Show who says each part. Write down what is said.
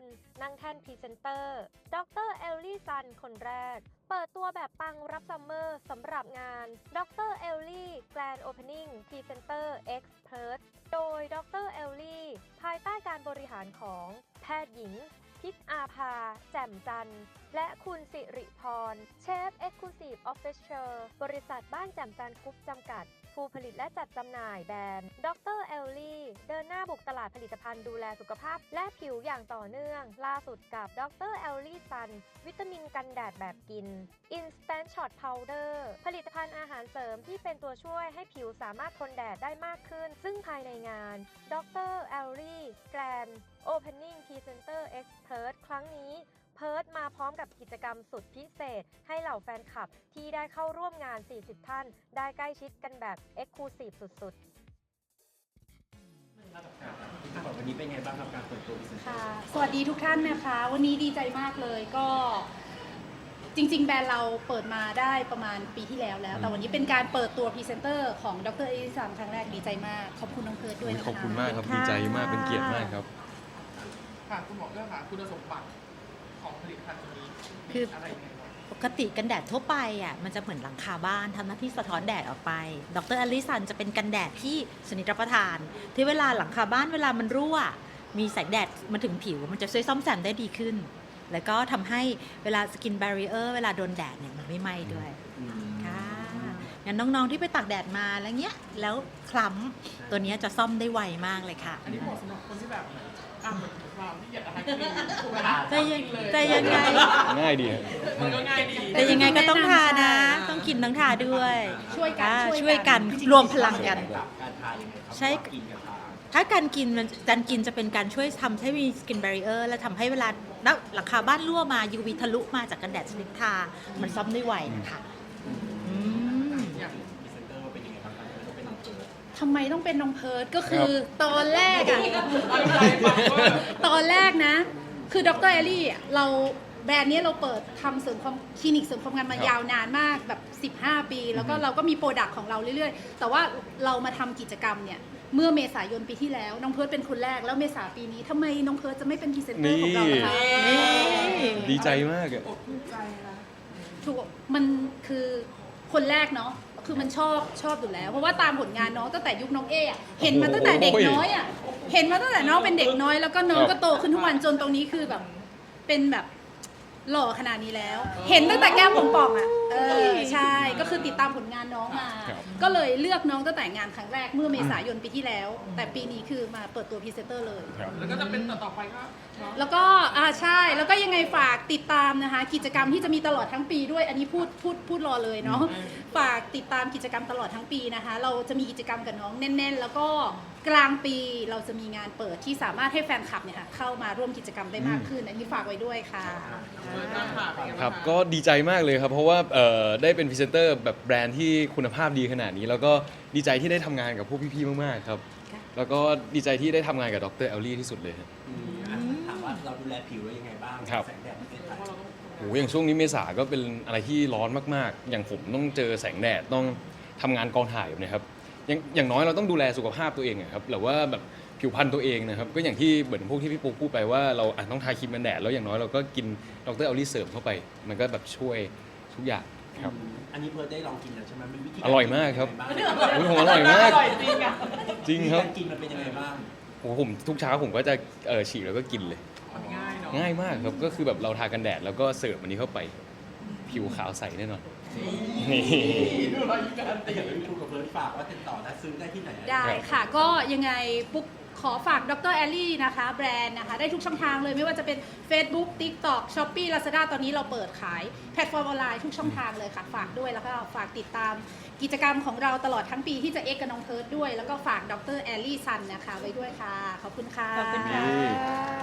Speaker 1: นั่งแท่นพรีเซนเตอร์ดรเอลลี่ซันคนแรกเปิดตัวแบบปังรับซัมเมอร์สำหรับงานดรเอลลี่แกรนด์โอเพนนิ่งพรีเซนเตอร์เอ็กซ์เพิร์ทโดยดรเอลลี่ภายใต้การบริหารของแพทย์หญิงพิกอาภาแจ่มจันทร์และคุณสิริพรเชฟเอ็กซ์คลูซีฟออฟฟิเชียลบริษัทบ้านแจ่มจันทร์กรุ๊ปจำกัดผู้ผลิตและจัดจำหน่ายแบรนด์ดรเอลลี่เดินหน้าบุกตลาดผลิตภัณฑ์ดูแลสุขภาพและผิวอย่างต่อเนื่องล่าสุดกับดรเอลลี่ซันวิตามินกันแดดแบบกิน Instant Shot Powder ผลิตภัณฑ์อาหารเสริมที่เป็นตัวช่วยให้ผิวสามารถทนแดดได้มากขึ้นซึ่งภายในงานดรเอลลี่แกรนด์ Opening Presenter Expert ครั้งนี้เพิร์ทมาพร้อมกับกิจกรรมสุดพิเศษให้เหล่าแฟนคลับที่ได้เข้าร่วมงาน 40 ท่านได้ใกล้ชิดกันแบบ Exclusive สุด
Speaker 2: ๆวันนี้เป็นไงบ้างครับการเปิดตัวพรีเซนเตอร์
Speaker 3: ค่ะสวัสดีทุกท่านนะคะวันนี้ดีใจมากเลยก็จริงๆแบรนด์เราเปิดมาได้ประมาณปีที่แล้วแต่วันนี้เป็นการเปิดตัวพรีเซนเตอร์ของดรเอลิซันครั้งแรกดีใจมากขอบคุณน้องเพิร์ทด้วยนะคะ
Speaker 4: ขอบคุณมากครับดีใจมากเป็นเกียรติมากครับ
Speaker 5: ค่ะคุณหมอเรื่องค่ะคุณสมบัติของผลิตภัณฑ์ตัวนี้
Speaker 6: คือ
Speaker 5: อะไรยังไงบ้าง
Speaker 6: ปกติกันแดดทั่วไปอ่ะมันจะเหมือนหลังคาบ้านทำหน้าที่สะท้อนแดดออกไปดรอลิสันจะเป็นกันแดดที่ชนิดรับประทานที่เวลาหลังคาบ้านเวลามันรั่วมีแสงแดดมาถึงผิวมันจะช่วยซ่อมแซมได้ดีขึ้นแล้วก็ทำให้เวลาสกินแบรีเออร์เวลาโดนแดดเนี่ยมันไม่ไหม้ด้วยค่ะงั้นน้องๆที่ไปตากแดดมาแล้วเงี้ยแล้วคล้ำตัวนี้จะซ่อมได้ไวมากเลยค่ะ
Speaker 5: อันนี้เหมาะสำหรับคนที่แบบเหมือนเราที่อยากอะไร
Speaker 6: แต่ยังไง
Speaker 4: ง่ายดี
Speaker 5: มันก็ง่ายดี
Speaker 6: แต่ยังไงก็ต้องทานะต้องกินต้องทาด้วยช่วยกันรวมพลังกัน
Speaker 2: การทายังไงครับ
Speaker 6: ใช่ถ้าการกินจะเป็นการช่วยทำให้มีสกินแบรีเออร์และทำให้เวลาหลังคาบ้านรั่วมา UV ทะลุมาจากกันแดดชนิดทามันซ่อมได้ไวนะคะ
Speaker 3: ทำไมต้องเป็นน้องเพิร์ทก็คือตอนแรกอะตอนแรกนะคือดรเอลลี่เราแบรนด์นี้เราเปิดทำเสริมความคลินิกเสริมความงามมายาวนานมากแบบ15 ปีแล้วก็เราก็มีโปรดักต์ของเราเรื่อยๆแต่ว่าเรามาทำกิจกรรมเนี่ยเมื่อเมษายนปีที่แล้วน้องเพิร์ทเป็นคนแรกแล้วเมษาปีนี้ทำไมน้องเพิร์ทจะไม่เป็นพรีเซนเตอร์ของเราล่ะคะ
Speaker 4: ดีใจมากอะ
Speaker 3: ถูกมันคือคนแรกเนาะคือมันชอบอยู่แล้วเพราะว่าตามผลงานน้องตั้งแต่ยุคน้องเอะเห็นมาตั้งแต่เด็กน้อยอ่ะเห็นมาตั้งแต่น้องเป็นเด็กน้อยแล้วก็น้องก็โตขึ้นทุกวันจนตรงนี้คือแบบเป็นแบบหล่อขนาดนี้แล้วเห็นตั้งแต่แก้มป่องๆอ่ะใช่ก็คือติดตามผลงานน้องมาก็เลยเลือกน้องตั้งแต่งานครั้งแรกเมื่อเมษายนปีที่แล้วแต่ปีนี้คือมาเปิดตัวพรีเซนเตอร์เลย
Speaker 5: แล้วก็จะเป็นต่อไปก็
Speaker 3: แล้วก็ใช่แล้วก็ยังไงฝากติดตามนะคะกิจกรรมที่จะมีตลอดทั้งปีด้วยอันนี้พูดรอเลยเนาะฝากติดตามกิจกรรมตลอดทั้งปีนะคะเราจะมีกิจกรรมกับน้องแน่นๆแล้วก็กลางปีเราจะมีงานเปิดที่สามารถให้แฟนคลับเนี่ยค่ะเข้ามาร่วมกิจกรรมได้มากขึ้นอันนี้ฝากไว้ด้วยค่ะ
Speaker 4: ครับก็ดีใจมากเลยครับเพราะว่าได้เป็นพรีเซนเตอร์แบบแบรนด์ที่คุณภาพดีขนาดนี้แล้วก็ดีใจที่ได้ทำงานกับพวกพี่ๆมากๆครับแล้วก็ดีใจที่ได้ทำงานกับดรเอลลี่ที่สุดเลยครับ
Speaker 2: ถามว่าเราดูแลผิวแล้วยังไงบ้างแสงแดดประเทศไทย
Speaker 4: โอ้อย่างช่วงนี้เมษาก็เป็นอะไรที่ร้อนมากๆอย่างผมต้องเจอแสงแดดต้องทำงานกองถ่ายแบบนี้ครับอย่างน้อยเราต้องดูแลสุขภาพตัวเองครับหรือว่าแบบผิวพรรณตัวเองนะครับก็อย่างที่เหมือนพวกที่พี่ปูพูดไปว่าเราต้องทาครีมกันแดดแล้วอย่างน้อยเราก็กินดรเอลลี่เสริมเข้าไปมันก็แบบช่วยทุกอย่างครับ
Speaker 2: อันนี้เพิร์ทได้ลองกินแล้วใช่ไหมมันวิธี
Speaker 4: อร่อยมากครับผมอร่อยมากจริงครับ
Speaker 2: กินมันเป็นยังไงบ้าง
Speaker 4: โอ้ผมทุกเช้าผมก็จะฉีกแล้วก็กินเลยง่ายมากครับก็คือแบบเราทากันแดดแล้วก็เสิร์ฟอันนี้เข้าไปผิวขาวใสแน่นอน
Speaker 2: ดูรอยการเตะดูกับเพิร์ทฝากว่าติดต่อและซื้อได้ที่ไหน
Speaker 3: ได้ค่ะก็ยังไงปุ๊กขอฝากดรแอลลี่นะคะแบรนด์นะคะได้ทุกช่องทางเลยไม่ว่าจะเป็น Facebook TikTok Shopee Lazada ตอนนี้เราเปิดขายแพลตฟอร์มออนไลน์ทุกช่องทางเลยค่ะฝากด้วยแล้วก็ฝากติดตามกิจกรรมของเราตลอดทั้งปีที่จะเอ็กกับน้องเพิร์ทด้วยแล้วก็ฝากดรแอลลี่ซันนะคะไว้ด้วยค่ะขอบคุณค่ะ
Speaker 6: ขอบคุณค่ะ